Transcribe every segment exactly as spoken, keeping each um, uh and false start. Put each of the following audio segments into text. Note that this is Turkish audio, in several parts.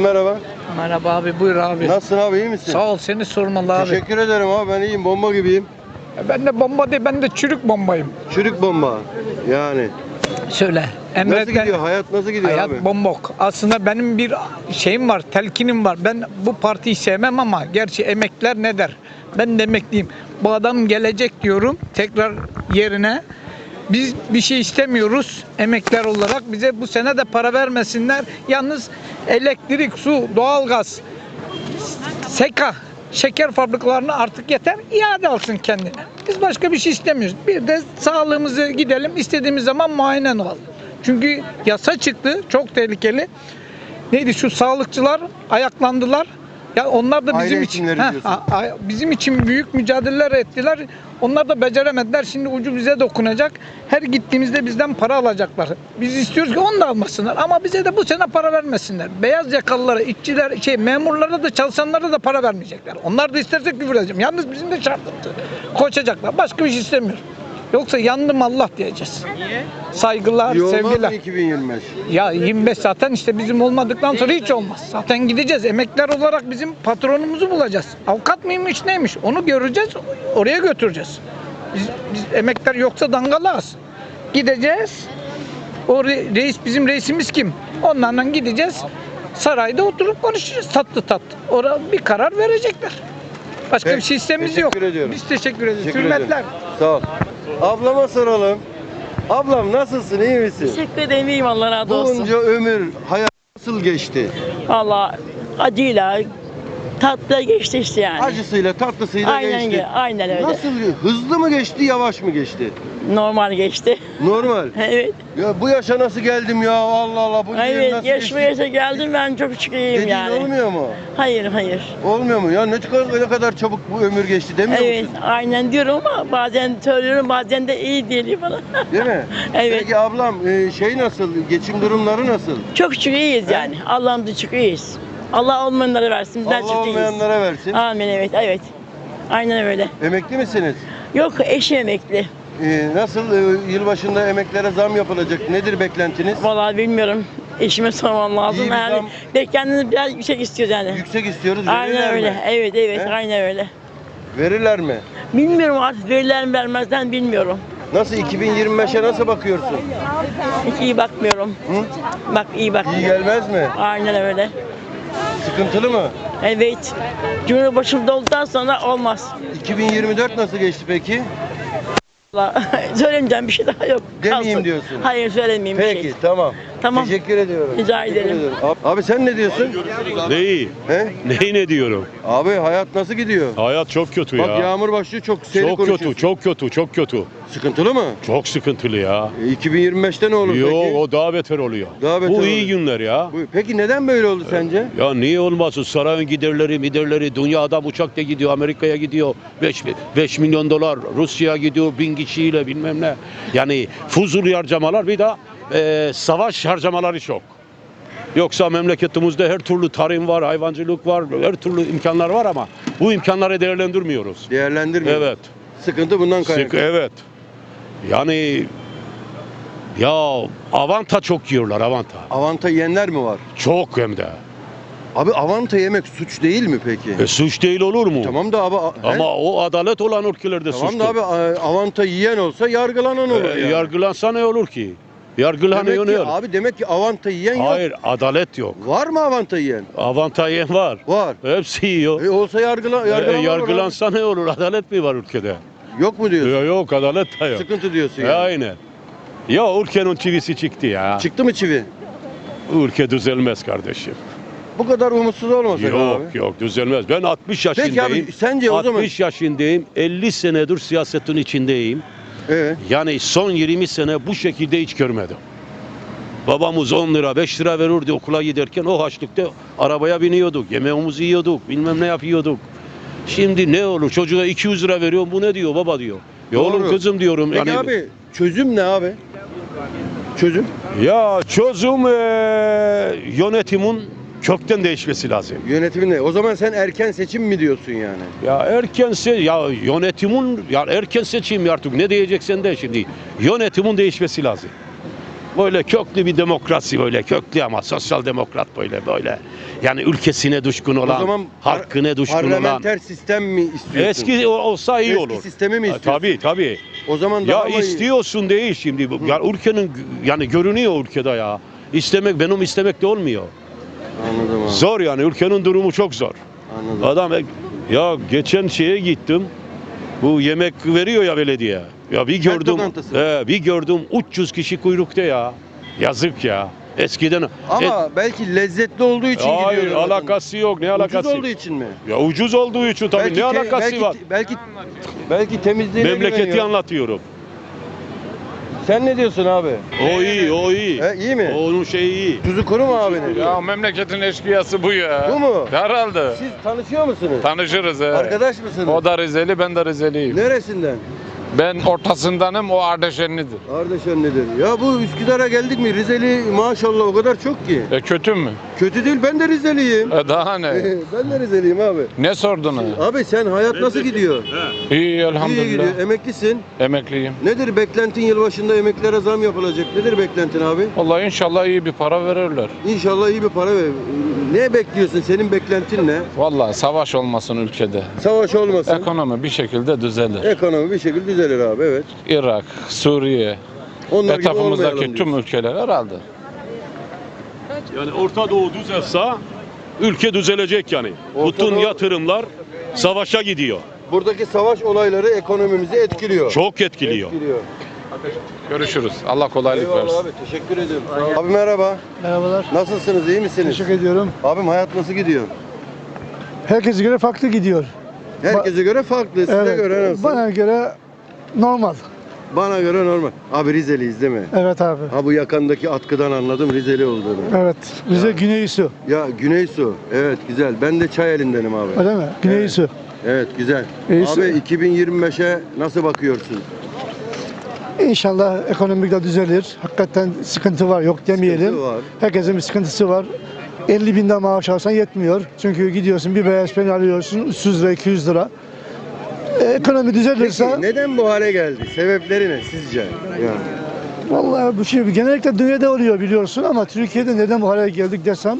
merhaba. Merhaba abi, buyur abi. Nasılsın abi, iyi misin? Sağ ol, seni sormalı abi. Teşekkür ederim abi, ben iyiyim, bomba gibiyim. Ben de bomba değil, ben de çürük bombayım. Çürük bomba yani. Söyle. Nasıl gidiyor hayat, nasıl gidiyor hayat abi? bombok. Aslında benim bir şeyim var, telkinim var. Ben bu partiyi sevmem ama gerçi emekler ne der? Ben de emekliyim. Bu adam gelecek diyorum tekrar yerine. Biz bir şey istemiyoruz emekler olarak. Bize bu sene de para vermesinler. Yalnız elektrik, su, doğalgaz, SEKA, şeker fabrikalarına artık yeter, iade alsın kendine. Biz başka bir şey istemiyoruz. Bir de sağlığımızı gidelim, istediğimiz zaman muayene olalım. Çünkü yasa çıktı, çok tehlikeli. Neydi şu sağlıkçılar ayaklandılar. Ya onlar da bizim Aile için hekimleri heh, diyorsun. a- a- bizim için büyük mücadeleler ettiler. Onlar da beceremediler. Şimdi ucu bize dokunacak. Her gittiğimizde bizden para alacaklar. Biz istiyoruz ki onu da almasınlar. Ama bize de bu sene para vermesinler. Beyaz yakalılara, işçiler, şey memurlara da çalışanlara da para vermeyecekler. Onlar da isterse küfür edeceğim. Yalnız bizim de şartımız. Koşacaklar. Başka bir şey istemiyoruz. Yoksa yandım Allah diyeceğiz. Niye? Saygılar, İyi olmaz sevgiler. mı iki bin yirmi beş? Ya yirmi beş zaten işte bizim olmadıktan sonra hiç olmaz. Zaten gideceğiz. Emekler olarak bizim patronumuzu bulacağız. Avukat mıymış neymiş onu göreceğiz. Oraya götüreceğiz. Biz, biz emekler yoksa dangalağız. Gideceğiz. O re- reis bizim reisimiz kim? Onlarla gideceğiz. Sarayda oturup konuşacağız tatlı tatlı. Orada bir karar verecekler. Başka Peki, bir şey istemiyoruz yok. teşekkür ediyorum. Biz teşekkür ederiz. Teşekkür Hürmetler. ederim. Sağ ol. Ablama soralım. Ablam nasılsın, iyi misin? Teşekkür ederim, iyiyim, Allah razı olsun. Bunca ömür hayat nasıl geçti? Valla acıyla, tatlı geçti işte yani. Acısıyla tatlısıyla Aynen geçti. ge- aynen öyle. Nasıl, hızlı mı geçti, yavaş mı geçti? Normal geçti. Normal. Evet. Ya bu yaşa nasıl geldim ya, Allah Allah, bu yıl Evet, nasıl yaşma geçti? yaşa geldim, ben çok şükürlüyüm Dediğin yani. olmuyor mu? Hayır, hayır. Olmuyor mu? Ya ne kadar, ne kadar çabuk bu ömür geçti demiyor Evet, musun? aynen diyorum ama bazen söylüyorum, bazen de iyi değil bana. Değil mi? Evet. Peki ablam, e, şey nasıl, geçim durumları nasıl? Çok şükür iyiyiz yani. Allah'ımıza şükür iyiyiz. Allah olmayanlara versin, bizden Allah çok iyiyiz. olmayanlara versin. Amin, evet, evet. Aynen öyle. Emekli misiniz? Yok, eşi emekli. E, nasıl, e, yılbaşında emeklere zam yapılacak? Nedir beklentiniz? Vallahi bilmiyorum. Eşime sormam lazım. İyi bir Yani zam- beklentiniz biraz yüksek istiyoruz yani. Yüksek istiyoruz, Aynen verirler öyle. mi? Evet, evet, He? aynen öyle. Verirler mi? Bilmiyorum artık verirler mi vermezden bilmiyorum. Nasıl, iki bin yirmi beşe nasıl bakıyorsun? Hiç iyi bakmıyorum. Hı? Bak iyi İyi bakmıyorum. gelmez mi? Aynen öyle. Sıkıntılı mı? Evet. Cumhurbaşımda olduktan sonra olmaz. iki bin yirmi dört nasıl geçti peki? Vallahi söylemeyeceğim bir şey daha yok. Demeyeyim Kalsın. diyorsun. Hayır söylemeyeyim bir Peki, şey. tamam. Tamam. Teşekkür ediyorum. Rica Teşekkür ederim. ediyorum. Abi, abi sen ne diyorsun? Neyi? He? Neyi ne diyorum? Abi hayat nasıl gidiyor? Hayat çok kötü Bak ya. yağmur başlıyor, çok seri Çok konuşuyorsun. kötü, çok kötü, çok kötü. Sıkıntılı mı? Çok sıkıntılı ya. E, iki bin yirmi beşte ne olur Yo, peki? o daha beter oluyor. Daha beter Bu iyi oluyor. günler ya. Bu- Peki neden böyle oldu sence? Ya niye olmasın? Sarayın giderleri, miderleri, dünya adam uçakla gidiyor, Amerika'ya gidiyor. beş milyon dolar, Rusya'ya gidiyor bin kişiyle bilmem ne. Yani fuzuli harcamalar, bir de e, savaş harcamaları çok. Yoksa memleketimizde her türlü tarım var, hayvancılık var, her türlü imkanlar var ama bu imkanları değerlendirmiyoruz. Değerlendirmiyor. Evet. Sıkıntı bundan Sık, kaynaklı. evet. Yani ya avanta çok yiyorlar, avanta. Avanta yiyenler mi var? Çok hem de. Abi avanta yemek suç değil mi peki? E, suç değil olur mu? Tamam da abi a- he? Ama o adalet olan ülkelerde Tamam suçtur. da abi a- avanta yiyen olsa yargılanan olur E, yani. Yargılansa ne olur ki? Yargılanıyor Demek ne ki, olur? abi demek ki avanta yiyen yok. Hayır, adalet yok. Var mı avanta yiyen? Avanta yiyen var. Var. Hepsi yiyor. E olsa yargıla, E, yargılanan olur yargılansa ne olur? Adalet mi var ülkede? abi. Yok mu diyorsun? Yok, yok adalet de yok. Sıkıntı diyorsun E, yani. aynen. Ya ülkenin çivisi çıktı ya. Çıktı mı çivi? Ülke düzelmez kardeşim. Bu kadar umutsuz olmasak Yok abi. yok düzelmez. Ben altmış yaşındayım. Peki abi sence o zaman... altmış yaşındayım. elli senedir siyasetin içindeyim. Evet. Yani son yirmi sene bu şekilde hiç görmedim. Babamız on lira beş lira verirdi okula giderken, o harçlıkta arabaya biniyorduk, yemeğimizi yiyorduk, bilmem ne yapıyorduk. Şimdi ne olur, çocuğa iki yüz lira veriyorum, bu ne diyor baba diyor. Ya Doğru. oğlum kızım diyorum. Peki yani, abi çözüm ne abi? Çözüm? Ya çözüm eee, yönetimin kökten değişmesi lazım. Yönetimin ne? O zaman sen erken seçim mi diyorsun yani? Ya erkense ya yönetimin ya erken seçim artık ne diyeceksen de şimdi yönetimin değişmesi lazım. böyle köklü bir demokrasi, böyle köklü ama sosyal demokrat, böyle böyle. Yani ülkesine düşkün O olan, zaman hakkına düşkün olan. parlamenter sistem mi istiyorsun? Eski o- olsa iyi Eski olur. sistemi mi Ha, istiyorsun? Tabii tabii. O zaman daha Ya mı iyi? istiyorsun değil şimdi. bu. Ya ülkenin yani görünüyor ülkede ya. İstemek benim istemek de olmuyor. Anladım abi. Zor yani, ülkenin durumu çok zor. Anladım. Adam ya geçen şeye gittim. Bu yemek veriyor ya belediye. Ya bir Kent gördüm. lokantası. He, bir gördüm üç yüz kişi kuyrukta ya. Yazık ya. Eskiden Ama belki lezzetli olduğu için E, hayır, gidiyorlar. alakası yok. Ne alakası? Ucuz olduğu için mi? Ya ucuz olduğu için tabii, Belki ne te- alakası belki, var? Belki belki temizliğine Memleketi güveniyor. anlatıyorum. Sen ne diyorsun abi? O iyi, o iyi. He, iyi mi? Onun şeyi iyi. Tuzu kuru mu abinin? Ya memleketin eşkıyası bu ya. Bu mu? Herhalde. Siz tanışıyor musunuz? Tanışırız he. Arkadaş mısınız? O da Rizeli, ben de Rizeliyim. Neresinden? Ben ortasındanım, o Ardeşenlidir. Ardeşen nedir? Ya bu Üsküdar'a geldik mi? Rizeli maşallah o kadar çok ki. E kötü mü? Kötü değil, ben de Rizeliyim. E daha ne? Ben de Rizeliyim abi. Ne sordun ha? Abi sen hayat nasıl gidiyor? İyi İyi elhamdülillah. gidiyor. Emeklisin. Emekliyim. Nedir beklentin, yılbaşında emeklilere zam yapılacak? Nedir beklentin abi? Vallahi inşallah iyi bir para verirler. İnşallah iyi bir para ver. Ne bekliyorsun? Senin beklentin ne? Vallahi savaş olmasın ülkede. Savaş olmasın. Ekonomi bir şekilde düzelir. Ekonomi bir şekilde düzelir abi, evet. Irak, Suriye, Onlar gibi etrafımızdaki olmayalım tüm diyorsun. ülkeler herhalde. Yani Orta Doğu düzelse ülke düzelecek yani. Orta Bütün Doğu- yatırımlar savaşa gidiyor. Buradaki savaş olayları ekonomimizi etkiliyor. Çok etkiliyor. Etkiliyor. Görüşürüz. Allah kolaylık Eyvallah versin. abi, teşekkür ederim. Sağ ol. Abi merhaba. Merhabalar. Nasılsınız, iyi misiniz? Teşekkür ediyorum. Abim hayat nasıl gidiyor? Herkese göre farklı gidiyor. Herkese göre farklı, size Evet, göre nasıl? Bana göre normal. Bana göre normal. Abi Rizeliyiz değil mi? Evet abi. Ha bu yakandaki atkıdan anladım Rizeli olduğunu. Evet. Bize Güneysu. Ya Güneysu, evet güzel. Ben de Çayeli'ndenim abi. Öyle mi? Güneysu. Evet güzel. İyisi. Abi iki bin yirmi beşe nasıl bakıyorsun? İnşallah ekonomik de düzelir. Hakikaten sıkıntı var, yok demeyelim. Sıkıntı var. Herkesin bir sıkıntısı var. elli binden maaş alsan yetmiyor. Çünkü gidiyorsun bir beyaz peynir alıyorsun üç yüz lira, iki yüz lira. E, ekonomi düzelirse, Peki neden bu hale geldi? Sebepleri ne sizce? Yani. vallahi bu şey genellikle dünyada oluyor biliyorsun ama Türkiye'de neden bu hale geldik desem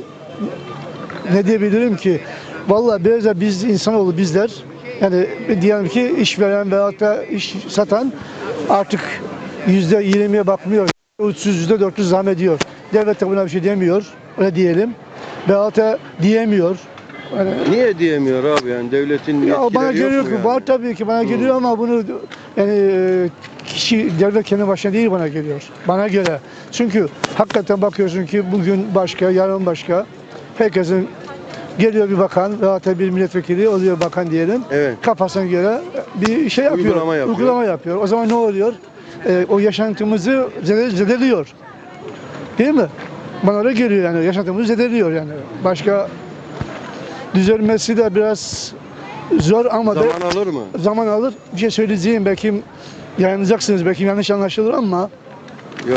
ne diyebilirim ki? Vallahi biraz da biz insanoğlu bizler yani diyelim ki işveren veyahut da iş satan artık yüzde yirmiye bakmıyor. üç yüz, yüzde dört yüz zam ediyor. Devlet de buna bir şey demiyor. Öyle diyelim. Veyahut da diyemiyor. Yani, Niye diyemiyor abi yani devletin ya yetkileri bana yok geliyor mu ki yani? var tabii ki bana geliyor ama bunu yani e, kişi devlet kendi başına değil bana geliyor. Bana göre. Çünkü hakikaten bakıyorsun ki bugün başka, yarın başka. Herkesin geliyor bir bakan veyahut da bir milletvekili oluyor bakan diyelim. Evet. Kafasına göre bir şey yapıyor. Uygulama yapıyor. Uygulama yapıyor. O zaman ne oluyor? E, o yaşantımızı zede- zedeliyor. Değil mi? Bana öyle geliyor yani. Yaşantımızı zedeliyor yani. Başka düzelmesi de biraz zor ama da Zaman alır mı? zaman alır. Bir şey söyleyeceğim belki yayınlayacaksınız belki yanlış anlaşılır ama Yok.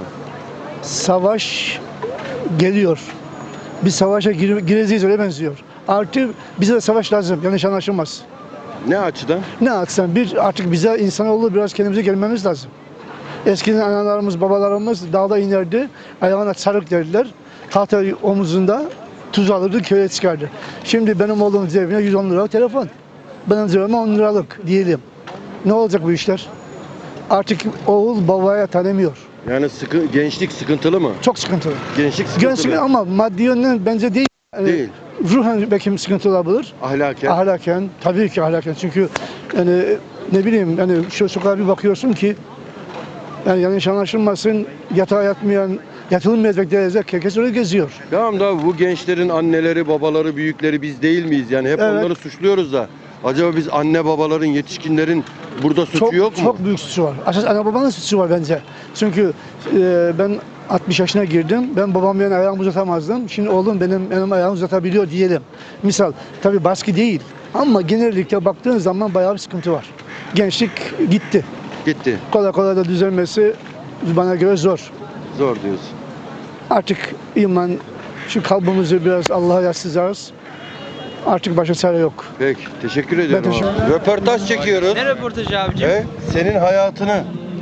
savaş geliyor. Bir savaşa gire- gireceğiz öyle benziyor. Artı bize de savaş lazım. Yanlış anlaşılmaz. Ne açıdan? Ne atsan bir artık bize insanoğlu biraz kendimize gelmemiz lazım. Eskiden analarımız, babalarımız dağda inerdi. Ayağına sarık derdiler. Tahta omuzunda tuz alırdı, köye çıkardı. Şimdi benim oğlumun cebine yüz on liralık telefon. Benim cebime on liralık diyelim. Ne olacak bu işler? Artık oğul babaya tanımıyor. Yani sıkı, gençlik sıkıntılı mı? Çok sıkıntılı. Gençlik sıkıntılı. Gençlik ama maddi yönden bence değil. Yani Değil. ruhen belki sıkıntı olabilir. Ahlaken. Ahlaken, tabii ki ahlaken. Çünkü yani ne bileyim yani şu sokağa bir bakıyorsun ki yani yanlış anlaşılmasın yatağa yatmayan, yatılmayacak derece herkes öyle geziyor. Tamam da bu gençlerin anneleri, babaları, büyükleri biz değil miyiz? Yani hep Evet. onları suçluyoruz da. Acaba biz anne babaların, yetişkinlerin burada suçu Çok, yok mu? çok büyük suçu var. Asas anne babanın suçu var bence. Çünkü e, ben altmış yaşına girdim. Ben babam benim ayağımı uzatamazdım. Şimdi oğlum benim benim ayağımı uzatabiliyor diyelim. Misal tabii baskı değil. Ama genellikle baktığın zaman bayağı bir sıkıntı var. Gençlik gitti. Gitti. Kolay kolay da düzelmesi bana göre zor. Zor diyorsun. Artık iman şu kalbimizi biraz Allah'a yaslıyacağız. Artık başka çare yok. Peki. Teşekkür ediyorum. teşekkür abi. Röportaj çekiyoruz. Ne röportajı abicim? He? Senin hayatını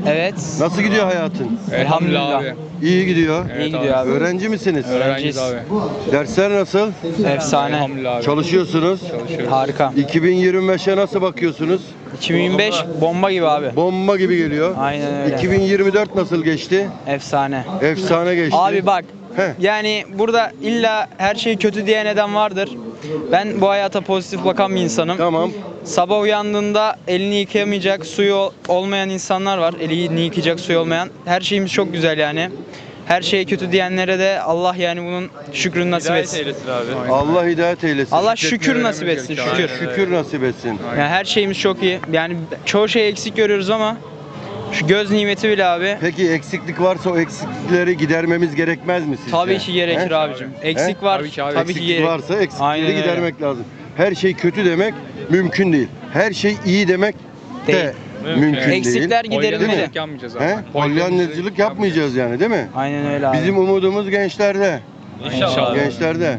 Evet. Nasıl gidiyor hayatın? Elhamdülillah. İyi gidiyor. İyi gidiyor abi. Öğrenci misiniz? Öğrenciyiz. Dersler nasıl? Efsane. Çalışıyorsunuz. Harika. iki bin yirmi beşe nasıl bakıyorsunuz? iki bin yirmi beş bomba gibi abi. Bomba gibi geliyor. Aynen öyle. iki bin yirmi dört nasıl geçti? Efsane. Efsane geçti. Abi bak. Heh. Yani burada illa her şey kötü diye neden vardır. Ben bu hayata pozitif bakan bir insanım. Tamam. Sabah uyandığında elini yıkayamayacak, suyu olmayan insanlar var. Elini yıkayacak suyu olmayan. Her şeyimiz çok güzel yani. Her şey kötü diyenlere de Allah yani bunun şükrünü nasip etsin. Allah hidayet eylesin. Allah şükür nasip etsin, şükür. Şükür nasip etsin. Yani her şeyimiz çok iyi. Yani çoğu şey eksik görüyoruz ama şu göz nimeti bile abi. Peki eksiklik varsa o eksiklikleri gidermemiz gerekmez mi sizce? Tabii ki gerekir He? abicim. Eksik var. Tabii ki abi. Tabii ki Eksiklik gerek. varsa eksiklikleri Aynen öyle. gidermek lazım. Her şey kötü demek mümkün değil. Her şey iyi demek de Değil. mümkün değil. Eksikler giderilmeli. He? Polyanlıcılık yapmayacağız yani değil mi? Aynen öyle abi. Bizim umudumuz gençlerde. İnşallah. Gençlerde.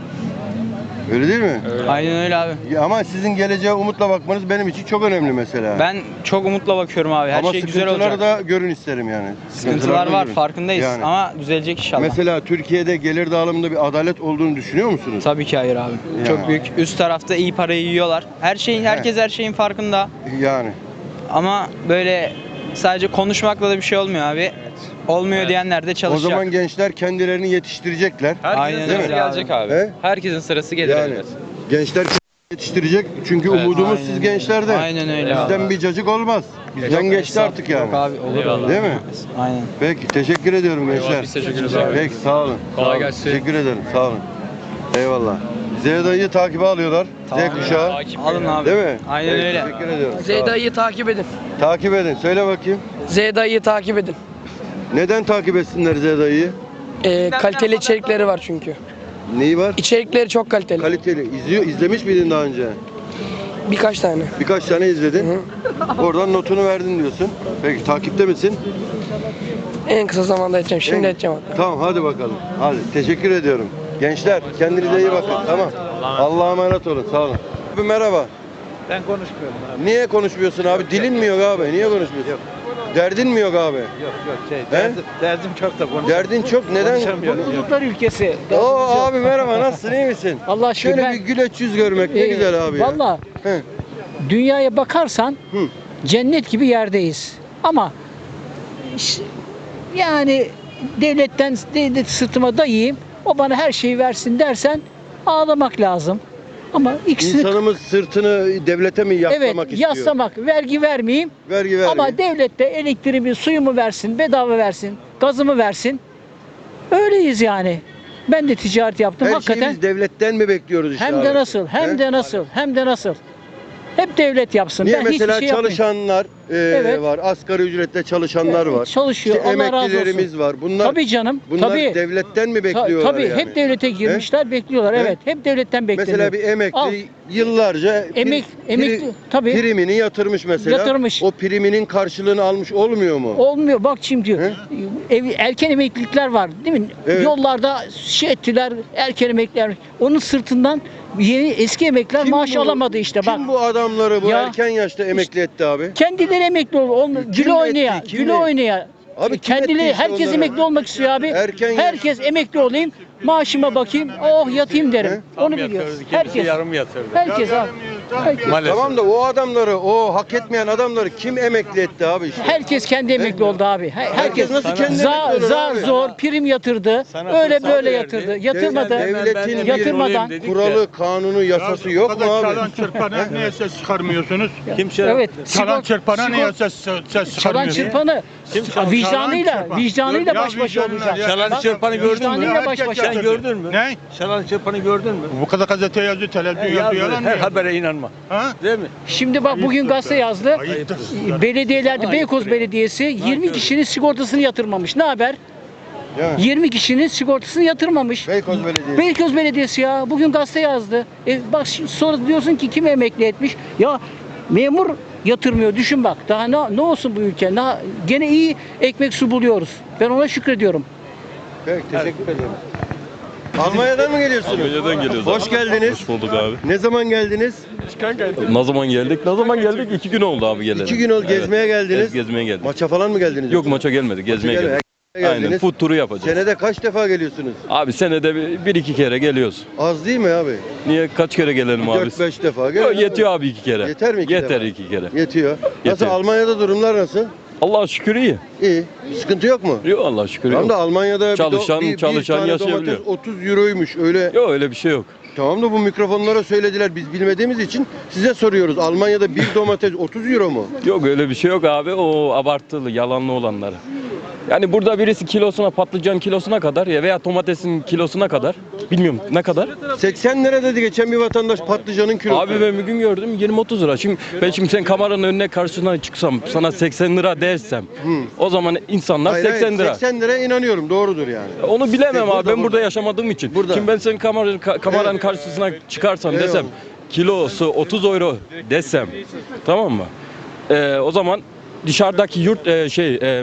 Öyle değil mi? Aynen öyle abi. Ya ama sizin geleceğe umutla bakmanız benim için çok önemli mesela. Ben çok umutla bakıyorum abi. Her ama şey güzel sıkıntıları olacak. da görün isterim yani. Sıkıntılar da var, görün. farkındayız Yani. ama düzelecek inşallah. Mesela Türkiye'de gelir dağılımında bir adalet olduğunu düşünüyor musunuz? Tabii ki hayır abi. Yani. Çok büyük. Üst tarafta iyi parayı yiyorlar. Her şeyin, herkes her şeyin farkında. Yani. Ama böyle sadece konuşmakla da bir şey olmuyor abi. Olmuyor diyenler de O çalışacak. zaman gençler kendilerini yetiştirecekler. Aynen Herkesin öyle sırası abi. gelecek abi. He? Herkesin sırası gelir Yani elbet. gençler kendini yetiştirecek çünkü Evet. umudumuz Aynen siz öyle. gençlerde. Aynen öyle Bizden abi. bir cacık olmaz. Bizden geçti artık yani. Yok abi olur olur. Değil mi? Aynen. Peki teşekkür ediyorum gençler. Biz teşekkür ederiz abi. Peki sağ olun. Kolay Sağ olun. gelsin. Teşekkür ederim sağ olun. Eyvallah. Zeyda'yı takibe alıyorlar. Tamam. Z kuşağı. Alın abi. Değil mi? Aynen Peki, öyle. Teşekkür ediyorum. Sağ olun. Zeyda'yı takip edin. Takip edin. Söyle bakayım. Zeyda'yı takip edin. Neden takip etsinler Zeyda'yı? Ee, kaliteli içerikleri var çünkü. Neyi var? İçerikleri çok kaliteli. Kaliteli. İzliyor, izlemiş miydin daha önce? Birkaç tane. Birkaç tane izledin. Oradan notunu verdin diyorsun. Peki takipte misin? En kısa zamanda edeceğim. Şimdi En- edeceğim hatta. Tamam hadi bakalım. Hadi teşekkür ediyorum. Gençler kendinize iyi bakın. Tamam. Allah'a emanet olun. Sağ olun. Abi merhaba. Ben konuşmuyorum abi. Niye konuşmuyorsun abi? Dilin mi yok abi? Niye konuşmuyorsun? Yok. Derdin mi yok abi? Yok yok şey derdim- derdim çok da konuşamıyorum. Derdin çok. Neden? Mutluluklar ülkesi. Oo abi merhaba. Nasılsın? İyi misin? Allah şükür Şöyle ben- bir güleç yüz görmek ne Ee, güzel abi ya. Valla He. dünyaya bakarsan Hı. cennet gibi yerdeyiz. Ama iş- yani devletten devlet sırtıma dayayayım, o bana her şeyi versin dersen ağlamak lazım. Ama ikisini İnsanımız sırtını devlete mi yaslamak evet istiyor? yaslamak, vergi vermeyeyim. Vergi vergi. Ama devlet de elektriğimi, suyumu versin, bedava versin, gazımı versin. Öyleyiz yani. Ben de ticaret yaptım Her hakikaten. şeyi biz devletten mi bekliyoruz işte Hem abi? de nasıl, hem He? de nasıl, hem de nasıl. Hep devlet yapsın. Niye ben mesela hiçbir şey yapmayayım. çalışanlar e, Evet. var, asgari ücretle çalışanlar var. Çalışıyor. İşte Allah razı emeklilerimiz olsun. var. Bunlar Tabii canım. bunlar tabii. devletten mi Ta- bekliyorlar tabii yani? hep devlete girmişler, bekliyorlar. He? Evet, hep devletten bekleniyor. Mesela bir emekli Al. yıllarca pri- Emek- emekli- pri- tabii. primini yatırmış mesela. Yatırmış. O priminin karşılığını almış olmuyor mu? Olmuyor. Bak şimdi ev, erken emeklilikler var, değil mi? Evet. Yollarda şey ettiler, erken emekliler. Onun sırtından yeni eski emekliler Kim maaş bu- alamadı işte bak. Kim bu adamları bu Ya, erken yaşta emekli etti abi? Kendileri emekli oldu. Onu, Kim güle etti, oynaya, kim güle etti? oynaya. Abi kim Kendileri etti işte herkes onları? emekli olmak istiyor abi. Erken yaş- herkes emekli olayım, maaşıma bakayım, oh yatayım derim. Onu biliyor. Herkes. Herkes abi. Herkes. Tamam da o adamları, o hak etmeyen adamları kim emekli etti abi işte? Herkes kendi emekli oldu abi. Her- Herkes nasıl kendi za, emekli olur zar abi? zor prim yatırdı. Öyle böyle yatırdı. Yatırmadı. Devletin bir Yatırmadan. kuralı, kanunu, yasası yok mu abi? Çalan çırpana niye ses çıkarmıyorsunuz? Evet. Çalan sigort- çırpana niye sigort- ses, ses Çalan çıkarmıyorsunuz? çırpanı çalan vicdanıyla, çırpan? vicdanıyla Ya baş başa vicdanıyla olacak. ya. Çalan Bak, çırpanı gördün mü? Vicdanıyla baş başa. Sen gördün mü? Ne? Çalan çırpanı gördün mü? Bu kadar gazete yazıyor, televizyon yazıyor, yalan mı? Her habere inanma. Ha? Değil mi? Şimdi bak bugün gazete yazdı. Ayıptır. Belediyelerde Beykoz Belediyesi yirmi kişinin sigortasını yatırmamış. Ne haber? Değil mi? yirmi kişinin sigortasını yatırmamış. Beykoz Belediyesi. Beykoz Belediyesi ya. Bugün gazete yazdı. E bak şimdi sonra diyorsun ki kim emekli etmiş? Ya memur yatırmıyor. Düşün bak. Daha ne, ne olsun bu ülke? Daha, gene iyi ekmek su buluyoruz. Ben ona şükrediyorum. Peki, teşekkür ederim. Almanya'dan mı geliyorsunuz? Almanya'dan geliyoruz. Hoş geldiniz. Hoş bulduk abi. Ne zaman geldiniz? Ne zaman geldik? Ne zaman geldik? İki gün oldu abi geleli. İki gün oldu. Gezmeye geldiniz. Evet, gezmeye geldik. Maça falan mı geldiniz? Yok maça gelmedik. Gezmeye Maça geldik. gel- Aynen. geldiniz. Food turu yapacağız. Senede kaç defa geliyorsunuz? Abi senede bir, bir iki kere geliyoruz. Az değil mi abi? Niye kaç kere gelelim abi? dört beş defa. Yok, Gelin yetiyor abi iki kere. Yeter mi iki Yeter defa? iki kere. Yetiyor. Nasıl Yeter. Almanya'da durumlar nasıl? Allah'a şükür iyi. İyi. Sıkıntı yok mu? Yok Allah'a şükür Tamam yok. da Almanya'da bir Çalışan- do- bir, bir çalışan tane yaşayabiliyor. domates otuz euroymuş. Öyle. Yok öyle bir şey yok. Tamam da bu mikrofonlara söylediler. Biz bilmediğimiz için size soruyoruz. Almanya'da bir domates otuz euro mu? Yok öyle bir şey yok abi. O abartılı, yalanlı olanları. Yani burada birisi kilosuna, patlıcan kilosuna kadar ya veya domatesin kilosuna kadar. Bilmiyorum ne kadar. seksen lira dedi geçen bir vatandaş patlıcanın kilosu. Abi ben bir gün gördüm yirmi otuz lira. Şimdi ben şimdi sen kameranın önüne karşısına çıksam sana seksen lira dersem o zaman insanlar Hayır, hayır, seksen lira. seksen liraya inanıyorum. Doğrudur yani. Onu bilemem İşte abi. burada, ben burada burada. yaşamadığım için. Burada. Şimdi ben senin kameranın, ka- kameranın Evet. karşısına çıkarsam Eyvallah. desem kilosu otuz euro desem tamam mı? Ee, o zaman dışarıdaki yurt e, şey e,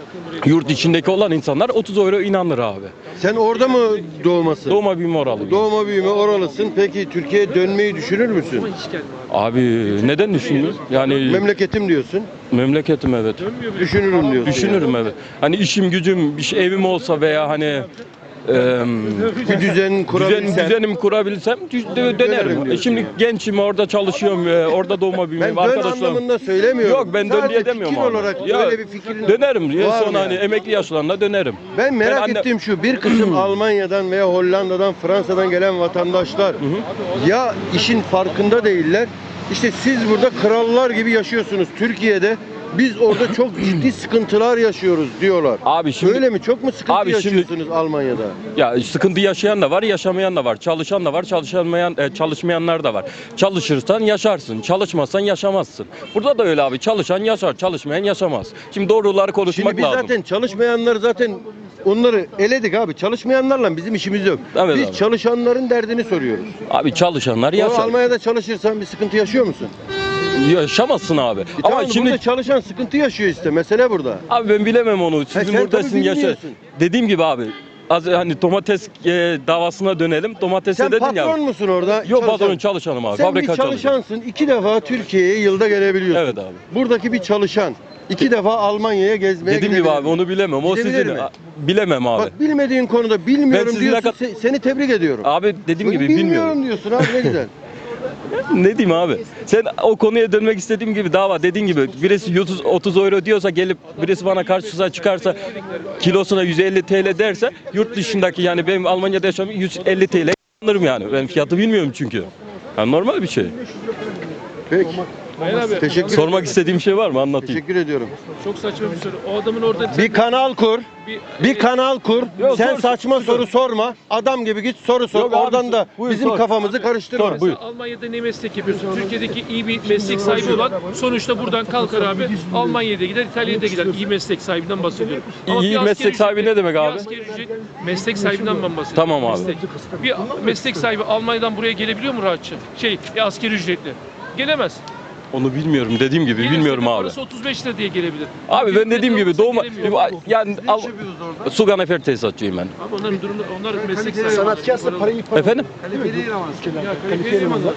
yurt içindeki olan insanlar otuz euro inanır abi. Sen orada mı doğmasın? Doğma büyüme oralı. Doğma büyüme oralısın. Peki Türkiye'ye dönmeyi düşünür müsün? Abi neden düşünüyorsun? Yani Memleketim diyorsun. memleketim evet. Düşünürüm diyorsun. Düşünürüm evet. Hani işim gücüm, bir şey, evim olsa veya hani e, Bir düzen kurabilsen. düzen, düzenim kurabilsem dü- dö- Dönerim dönerim. E diyorsun Şimdi yani. gençim orada çalışıyorum, e, orada doğma büyüme Ben dön arkadaşlarım. anlamında söylemiyorum. Yok ben dön Sadece diye demiyorum fikir abi. olarak Ya, böyle bir fikrin dönerim diye var mı sonra hani yani? emekli yaşlarında dönerim. Ben merak anne- ettiğim şu, bir kısım Almanya'dan veya Hollanda'dan, Fransa'dan gelen vatandaşlar ya işin farkında değiller, işte siz burada krallar gibi yaşıyorsunuz Türkiye'de, biz orada çok ciddi sıkıntılar yaşıyoruz diyorlar. Abi şimdi Öyle mi? Çok mu sıkıntı Abi şimdi- yaşıyorsunuz Almanya'da? ya sıkıntı yaşayan da var, yaşamayan da var. Çalışan da var, çalışamayan e, çalışmayanlar da var. Çalışırsan yaşarsın, çalışmazsan yaşamazsın. Burada da öyle abi. Çalışan yaşar, çalışmayan yaşamaz. Şimdi doğruları konuşmak Şimdi biz lazım. zaten çalışmayanları zaten onları eledik abi. Çalışmayanlarla bizim işimiz yok. Evet biz abi. çalışanların derdini soruyoruz. Abi çalışanlar O yaşar. Almanya'da çalışırsan bir sıkıntı yaşıyor musun? Yaşamazsın abi. E Ama tamam, şimdi burada çalışan sıkıntı yaşıyor işte. Mesele burada. abi ben bilemem onu. Sizin sen burada tabii sizin yaşa. bilmiyorsun. Dediğim gibi abi. Az hani domates e, davasına dönelim. Domatese Sen dedin patron ya. musun orada? Yok Çalışan. patron çalışanım abi. Sen Fabrika bir çalışanım. çalışansın. İki defa Türkiye'ye yılda gelebiliyorsun. Evet abi. Buradaki bir çalışan. iki defa Almanya'ya gezmeye Dediğim gibi gidebilir. abi onu bilemem. O Gidebilir sizin mi? A- bilemem abi. Bak bilmediğin konuda bilmiyorum Ben sizinle diyorsun. kat- se- Seni tebrik ediyorum. Abi dediğim gibi bilmiyorum bilmiyorum. diyorsun abi ne güzel. Ne diyeyim abi? Sen o konuya dönmek istediğim gibi dava dediğin gibi birisi otuz, otuz euro diyorsa gelip birisi bana karşısına çıkarsa kilosuna yüz elli T L derse yurt dışındaki yani benim Almanya'da yaşamım yüz elli T L alırım yani. Ben fiyatı bilmiyorum çünkü. Yani normal bir şey. Peki. Teşekkür Sormak istediğim şey var mı? Anlatayım. Teşekkür ediyorum. Çok saçma bir soru. O adamın orada Bir kanal kur. Bir kanal kur. Yok, Sen sor, saçma sor. soru sorma. Adam gibi git soru sor. Yok abi, Oradan da buyur, bizim sor. kafamızı karıştırma. Sor, buyur. Almanya'da ne meslek yapıyorsun? Türkiye'deki iyi bir meslek sahibi olan sonuçta buradan kalkar abi. Almanya'da gider, İtalya'da gider. İyi meslek sahibinden bahsediyorum. Ama İyi bir meslek asgari sahibi ücret- ne demek abi? Bir asgari ücret, meslek sahibinden ben bahsediyorum. Tamam abi. Meslek. Bir meslek sahibi Almanya'dan buraya gelebiliyor mu rahatça? Şey, bir asgari ücretli. Gelemez. Onu bilmiyorum. Dediğim gibi Gelirse bilmiyorum de abi. Parası otuz beş lira diye gelebilir. Abi ben dediğim gibi Olmasa doğma gelemiyor. yani al, su kanafer tesisatçıyım ben. Abi onların durumu, onlar meslek sahibi. Sanatkarsa parayı Efendim? Ya kalifiye elemanlar.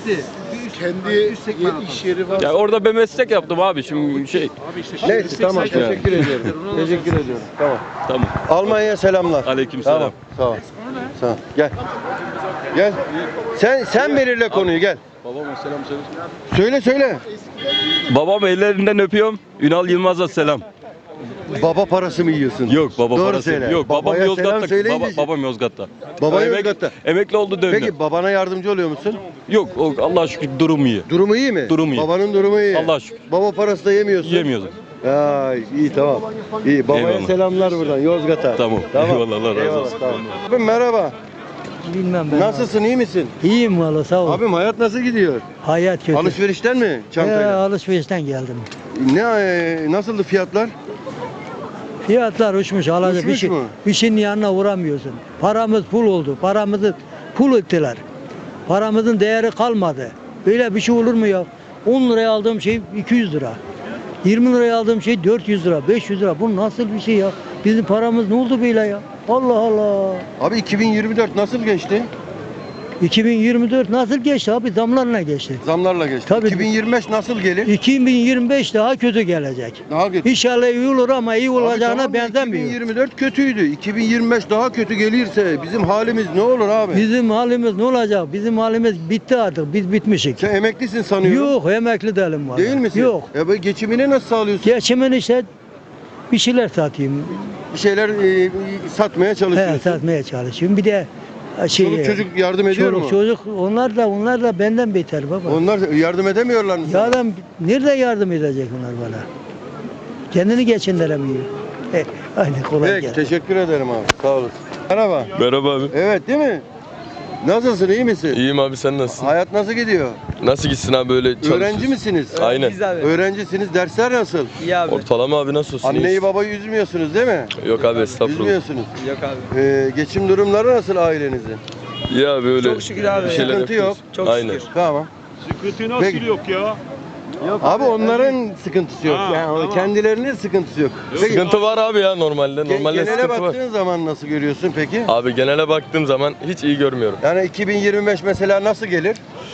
Kendi iş yeri var. Ya orada ben meslek yaptım abi şimdi şey. Abi işte Neyse meslek tamam sahibi- teşekkür ediyorum. Teşekkür ediyorum. Tamam. Tamam. Almanya'ya selamlar. Aleykümselam. Tamam. Sağ ol. Sağ ol. Gel. Gel. Sen sen belirle konuyu gel. Babama selam söyle. Söyle söyle. Babam ellerinden öpüyorum. Ünal Yılmaz'a selam. Baba parası mı yiyorsun? Yok baba Doğru parası. söyle. Yok babam Babaya selam Yozgat'ta. söyleyince- Baba, babam Yozgat'ta. Baba Emek- Yozgat'ta. Emekli oldu döndü. Peki babana yardımcı oluyor musun? Yok o, Allah'a şükür durum iyi. Durumu iyi mi? Durumu iyi. Babanın durumu iyi. Allah'a şükür. Baba parası da yemiyorsun. Yemiyoruz. Ay iyi tamam. İyi babaya Eyvallah. selamlar buradan Yozgat'a. Tamam. Eyvallah, Allah razı Eyvallah, olsun. Tamam. Abim merhaba. Bilmem ben. Nasılsın iyi misin? İyiyim valla sağ ol. Abim hayat nasıl gidiyor? Hayat kötü. Alışverişten mi Ee, çantayla? alışverişten geldim. Ne e, nasıldı fiyatlar? Fiyatlar uçmuş. Alacak bir Uçmuş şey. mu? Bir şeyin yanına uğramıyorsun. Paramız pul oldu. Paramızı pul ettiler. Paramızın değeri kalmadı. Böyle bir şey olur mu ya? on liraya aldığım şey iki yüz lira. yirmi liraya aldığım şey dört yüz lira, beş yüz lira. Bu nasıl bir şey ya? Bizim paramız ne oldu böyle ya? Allah Allah. Abi iki bin yirmi dört nasıl geçti? iki bin yirmi dört nasıl geçti abi? Zamlarla geçti. Zamlarla geçti. Tabii. iki bin yirmi beş nasıl gelir? iki bin yirmi beş daha kötü gelecek. Daha kötü. İnşallah iyi olur ama iyi Abi olacağına tamam da benzemiyor. iki bin yirmi dört kötüydü. iki bin yirmi beş daha kötü gelirse bizim halimiz ne olur abi? Bizim halimiz ne olacak? Bizim halimiz bitti artık. Biz bitmişik. Sen emeklisin sanıyorum. Yok, emekli değilim vallahi. Değil misin? Yok. E bu geçimini nasıl sağlıyorsun? Geçimin işte bir şeyler satayım. Bir şeyler e, satmaya He, çalışıyorsun. satmaya çalışıyorum. Bir de şey Çoluk çocuk yardım ediyor çoluk mu? çocuk onlar da onlar da benden beter baba. Onlar yardım edemiyorlar mı? sana? Ya adam nerede yardım edecek onlar bana? Kendini geçindiremiyor. He, Aynen kolay Peki, gelsin. teşekkür ederim abi. Sağ olasın. Merhaba. Merhaba abi. Evet değil mi? Nasılsın, iyi misin? İyiyim abi, sen nasılsın? Hayat nasıl gidiyor? Nasıl gitsin abi, böyle çalışıyorsun? Öğrenci misiniz? Aynen. Öğrencisiniz. Dersler nasıl? İyi abi. Ortalama abi, nasıl olsun? Anneyi İyiyiz. babayı üzmüyorsunuz değil mi? Yok abi, estağfurullah. Üzmüyorsunuz. Yok abi. Ee, geçim durumları nasıl ailenizin? İyi abi, öyle Çok şükür abi. bir şeyler Sıkıntı yapıyoruz. yok. Çok Aynen. şükür. Tamam. Sıkıntı nasıl Peki. yok ya? Abi onların sıkıntısı yok. Ha, yani tamam. kendilerinin sıkıntısı yok. Peki, Sıkıntı var abi ya, normalde. ge- Normalde genele sıkıntı var. baktığın zaman nasıl görüyorsun peki? Abi genele baktığım zaman hiç iyi görmüyorum. Yani iki bin yirmi beş mesela nasıl gelir?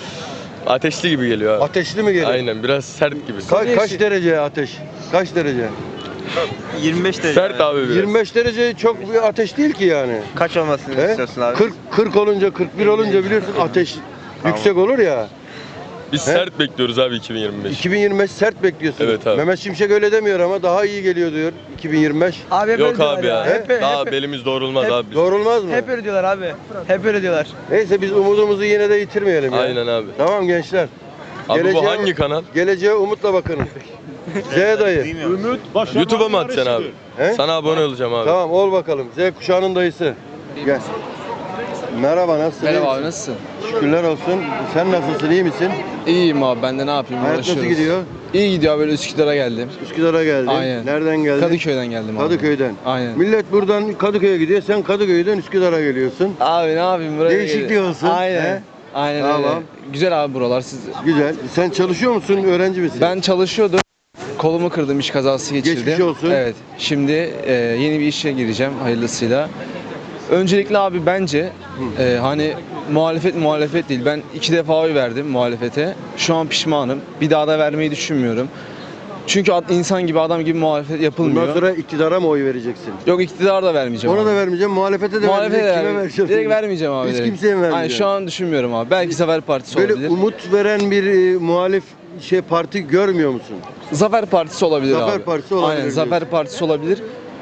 Ateşli gibi geliyor abi. Ateşli mi gelir? Aynen, biraz sert gibi. Ka- kaç derece ateş? Kaç derece? yirmi beş derece. Sert abi biraz. yirmi beş derece çok bir ateş değil ki yani. Kaç olmasını He? kırk, kırk olunca, kırk bir olunca biliyorsun ateş yüksek olur ya. Biz He? sert bekliyoruz abi iki bin yirmi beş. iki bin yirmi beş sert bekliyorsun. Evet abi. Mehmet Şimşek öyle demiyor ama daha iyi geliyor diyor iki bin yirmi beş. Abi hep Yok öyle diyorlar abi ya. Hep, Daha hep, belimiz doğrulmaz hep- abi. biz. Doğrulmaz mı? hep öyle diyorlar abi. Hep öyle diyorlar. Neyse biz umudumuzu yine de yitirmeyelim ya. Aynen abi. Tamam gençler. Abi Geleceğe- bu hangi kanal? Geleceğe umutla bakın. Z dayı. Ümit başarmanın YouTube'a mı atacaksın abi? He? Sana abone olacağım abi. Tamam ol bakalım. Z kuşağının dayısı. Gel. Merhaba nasılsın? Merhaba İyi abi, misin? nasılsın? Şükürler olsun. Sen nasılsın? İyi misin? İyiyim abi, ben de ne yapayım, Hayat nasıl uğraşıyoruz. gidiyor? İyi gidiyor, böyle Üsküdar'a geldim. Üsküdar'a geldin. Aynen. Nereden geldin? Kadıköy'den geldim abi. Kadıköy'den. Aynen. Millet buradan Kadıköy'e gidiyor. Sen Kadıköy'den Üsküdar'a geliyorsun. Abi ne yapayım, buraya Değişiklik geliyorum. olsun. Aynen. He? Aynen Tamam. öyle. Güzel abi buralar. Siz... Güzel. Sen çalışıyor musun? Öğrenci misin? Ben çalışıyordum. Kolumu kırdım, iş kazası geçirdim. Geçmiş olsun. Evet. Şimdi e, yeni bir işe gireceğim hayırlısıyla. Öncelikle abi bence e, hani muhalefet muhalefet değil. Ben iki defa oy verdim muhalefete. Şu an pişmanım. Bir daha da vermeyi düşünmüyorum. Çünkü ad- insan gibi, adam gibi muhalefet yapılmıyor. Bundan sonra iktidara mı oy vereceksin? Yok, iktidar da vermeyeceğim Ona abi. da vermeyeceğim, muhalefete de Muhalefete de vermeyeceğim. Kime vermeyeceğim. vereceğim? Direkt vermeyeceğim abi. Hiç direkt. kimseye mi vermeyeceğim? Aynen, şu an düşünmüyorum abi. Belki Zafer Partisi Böyle olabilir. umut veren bir e, muhalif şey parti görmüyor musun? Zafer Partisi olabilir Zafer abi. Partisi olabilir Aynen, diyorsun. Zafer Partisi olabilir.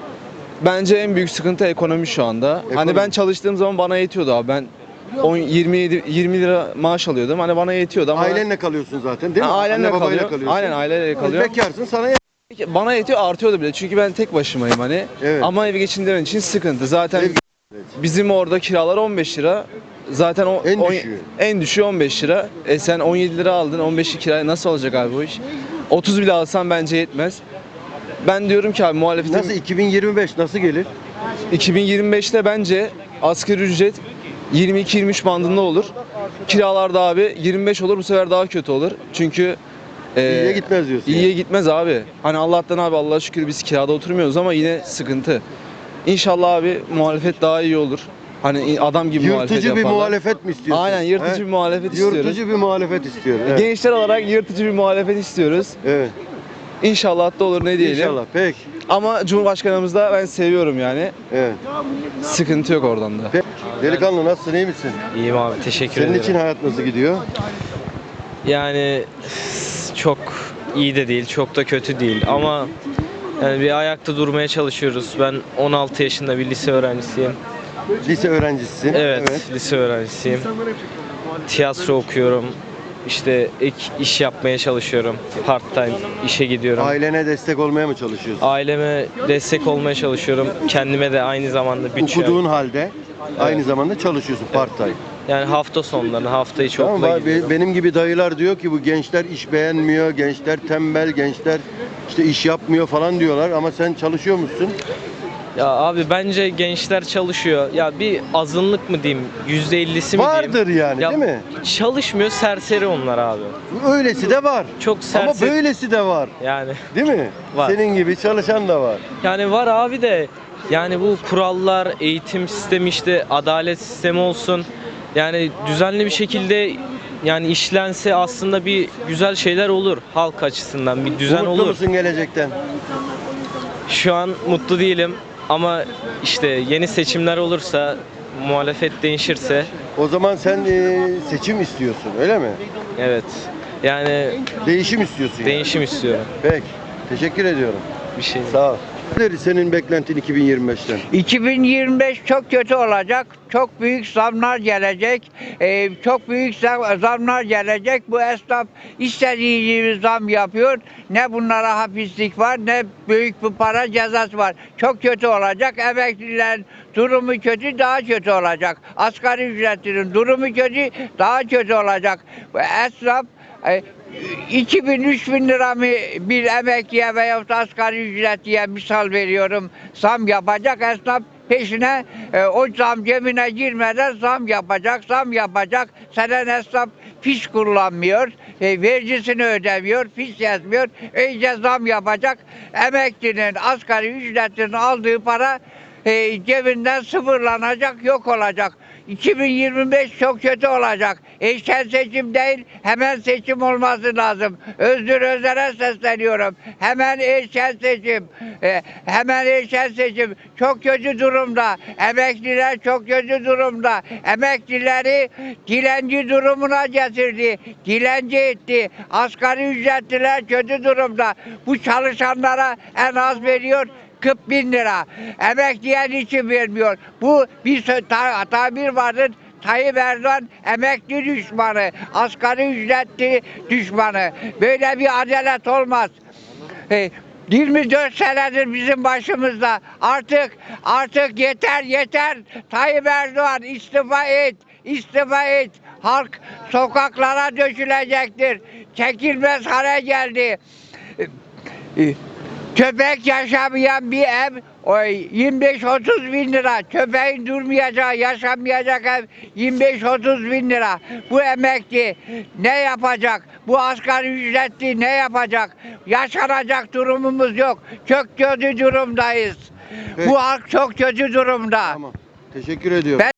Bence en büyük sıkıntı ekonomi şu anda. Ekonomi. Hani ben çalıştığım zaman bana yetiyordu abi. Ben on, yirmi yedi yirmi lira maaş alıyordum. Hani bana yetiyordu ama Ailenle kalıyorsun zaten değil mi? Ha, ailemle Anne babayla kalıyor. kalıyorsun. Aynen, aileyle kalıyor. Bekarsın sana yet- Bana yetiyor, artıyordu bile. Çünkü ben tek başımayım hani. Evet. Ama evi geçindirmek için sıkıntı. Zaten Ev- bizim orada kiralar on beş lira. Zaten o En on- düşüğü. en düşüğü on beş lira. E sen on yedi lira aldın. on beşi kiraya nasıl olacak abi bu iş? otuz bile alsan bence yetmez. Ben diyorum ki abi muhalefetin Nasıl iki bin yirmi beş nasıl gelir? iki bin yirmi beşte bence asgari ücret yirmi iki yirmi üç bandında olur. Kiralarda abi yirmi beş olur, bu sefer daha kötü olur. Çünkü e, İyiye gitmez diyorsun. İyiye yani. gitmez abi. Hani Allah'tan abi, Allah'a şükür biz kirada oturmuyoruz ama yine sıkıntı. İnşallah abi muhalefet daha iyi olur. Hani adam gibi muhalefet Yırtıcı bir yaparlar. muhalefet mi istiyorsun? Aynen, yırtıcı He? bir muhalefet istiyoruz. Yırtıcı bir muhalefet istiyor. Evet. Gençler olarak yırtıcı bir muhalefet istiyoruz. evet. İnşallah da olur, ne diyelim. İnşallah. Peki. Ama Cumhurbaşkanımızı da ben seviyorum yani. Evet. Sıkıntı yok oradan da. Peki. Delikanlı nasılsın? İyi misin? İyiyim abi, teşekkür Senin ederim. için hayat nasıl gidiyor? Yani çok iyi de değil, çok da kötü değil ama yani bir ayakta durmaya çalışıyoruz. Ben on altı yaşında bir lise öğrencisiyim. Lise öğrencisisin. Evet, lise öğrencisiyim. Tiyatro okuyorum. İşte ek iş yapmaya çalışıyorum. Part time işe gidiyorum. Ailene destek olmaya mı çalışıyorsun? Aileme destek olmaya çalışıyorum. Kendime de aynı zamanda bütçe. Okuduğun halde aynı zamanda çalışıyorsun part time. Yani hafta sonlarını, hafta içi Tamam, okula ba- gidiyorum. benim gibi dayılar diyor ki bu gençler iş beğenmiyor, gençler tembel, gençler işte iş yapmıyor falan diyorlar ama sen çalışıyor musun? Ya abi bence gençler çalışıyor. Ya bir azınlık mı diyeyim, yüzde ellisi mi diyeyim? Vardır yani Ya değil mi? çalışmıyor, serseri onlar abi. Öylesi de var. Çok Ama serseri. böylesi de var. Yani Değil mi? Var. Senin gibi çalışan da var. yani var abi de yani bu kurallar, eğitim sistemi, işte adalet sistemi olsun. Yani düzenli bir şekilde yani işlense aslında bir güzel şeyler olur halk açısından, bir düzen Umutlu olur. musun gelecekten? Şu an mutlu değilim ama işte yeni seçimler olursa, muhalefet değişirse, O zaman sen e, seçim istiyorsun, öyle mi? evet. Yani Değişim istiyorsun yani. değişim istiyorum. Peki. Teşekkür ediyorum. Bir şey. Sağ ol. Nedir senin beklentin iki bin yirmi beşten? iki bin yirmi beş çok kötü olacak. Çok büyük zamlar gelecek. Ee, çok büyük zam- zamlar gelecek. Bu esnaf istediği gibi zam yapıyor. Ne bunlara hapislik var, ne büyük bir para cezası var. Çok kötü olacak. Emeklilerin durumu kötü, daha kötü olacak. Asgari ücretlinin durumu kötü, daha kötü olacak. Bu esnaf e, iki bin üç bin lira mı bir emekliye veya asgari ücretliye misal veriyorum zam yapacak, esnaf peşine e, o zam cebine girmeden zam yapacak, zam yapacak. Senen esnaf fiş kullanmıyor, e, vergisini ödemiyor, fiş yazmıyor, iyice zam yapacak. Emeklinin asgari ücretlinin aldığı para e, cebinden sıfırlanacak, yok olacak. iki bin yirmi beş çok kötü olacak. Erken seçim değil, hemen seçim olması lazım. Özgür Özel'e sesleniyorum. Hemen erken seçim. Ee, hemen erken seçim. Çok kötü durumda. Emekliler çok kötü durumda. Emeklileri dilenci durumuna getirdi. Dilenci etti. Asgari ücretliler kötü durumda. Bu çalışanlara en az veriyor kırk bin lira. Emekliye için vermiyor. Bu bir sö- ta- tabir vardır. Tayyip Erdoğan emekli düşmanı, asgari ücretli düşmanı. Böyle bir adalet olmaz. E, yirmi dört senedir bizim başımızda. Artık artık yeter yeter. Tayyip Erdoğan istifa et. İstifa et. Halk sokaklara dökülecektir. Çekilmez hale geldi. E, e, Köpek yaşamayan bir ev o yirmi beş otuz bin lira. Köpeğin durmayacağı, yaşamayacak ev yirmi beş otuz bin lira. Bu emekli ne yapacak? Bu asgari ücretli ne yapacak? Yaşanacak durumumuz yok. Çok kötü durumdayız. Peki. Bu halk çok kötü durumda. Tamam. Teşekkür ediyorum. Ben